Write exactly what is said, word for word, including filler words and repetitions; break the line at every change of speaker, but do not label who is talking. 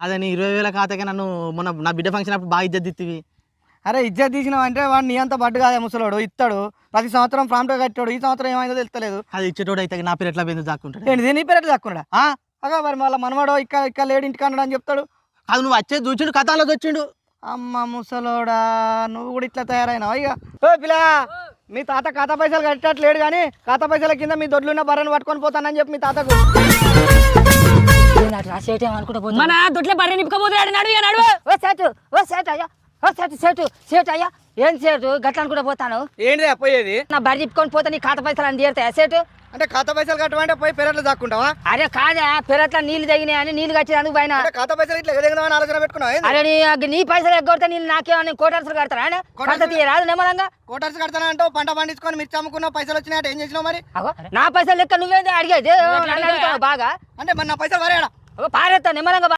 అదే నీ ఇరవై వేల ఖాతాకే నన్ను మొన్న నా బిడ్డ ఫంక్షన్ అప్పుడు బాగా ఇజ్జత్ ఇత్తివి.
అరే ఇజ్జత్ తీసినావు అంటే వాడు నీ అంత బడ్డు కాదే ముసలోడు ఇస్తాడు ప్రతి సంవత్సరం ప్రాంప్ట్గా కట్టాడు ఈ సంవత్సరం ఏమైందో తెలుస్తలేదు.
అది ఇచ్చేటోడు అయితే నా పేరు ఎట్లా పోయిందో దాక్కుంటాడు.
ఏంటి నీ పేరు దాక్కున్నాడా అగా మరి మళ్ళీ మనవాడు ఇక్కడ ఇక్కడ లేడు ఇంటికి అన్నాడు అని చెప్తాడు.
అది నువ్వు వచ్చేది చూచిండు కథలో వచ్చిండు.
అమ్మ ముసలోడా నువ్వు కూడా ఇట్లా తయారైనావు ఇక. ఓ పిల్ల మీ తాత ఖాతా పైసలు కట్టట్లేడు కానీ ఖాతా పైసల కింద మీ దొడ్లున్న బర్రెను పట్టుకొని పోతానని చెప్పి మీ తాతకు
మన దొడ్ల బర్రె నింపుకోపోతున్నాడు. నడు ఇక నడు. ఓ సేటు ఓ సేటు అయ్యా ఓ సేటు సేటు సేటు అయ్యా ఏం సేటు గట్ల కూడా పోతాను.
ఏంటి పోయేది
నా బర్రె నింపుకొని పోతే నీ ఖాతా పైసలు అని తీరుతాయా సేటు?
అంటే ఖాతా పైసలు కట్టమంటే పోయి పెరట్లో దాక్కుంటావా?
అరే కాదా పెరట్లా నీళ్ళు తగినాయని నీళ్ళు కట్టేందుకు పైన
ఖాతా పైసలు ఇట్లా ఎగదగదామని ఆలోచన పెట్టుకున్నావు.
అరే నీ నీ పైసలు ఎగ్గొడితే నేను నాకేమన్నా కోటర్సులు కడతారా? కడత తీయరాదు నిమ్మలంగా.
కోటర్స్ కడతానంటావు పంట పండించుకొని మిర్చి అమ్ముకున్నావు పైసలు వచ్చినాయంటే ఏం చేసినావు మరి?
నా పైసలు లెక్క నువ్వేంది అడిగేది? నన్ను అడుగుతావు బాగా.
అంటే మరి నా పైసలు వరేడా
పారేస్తా నిమ్మలంగా.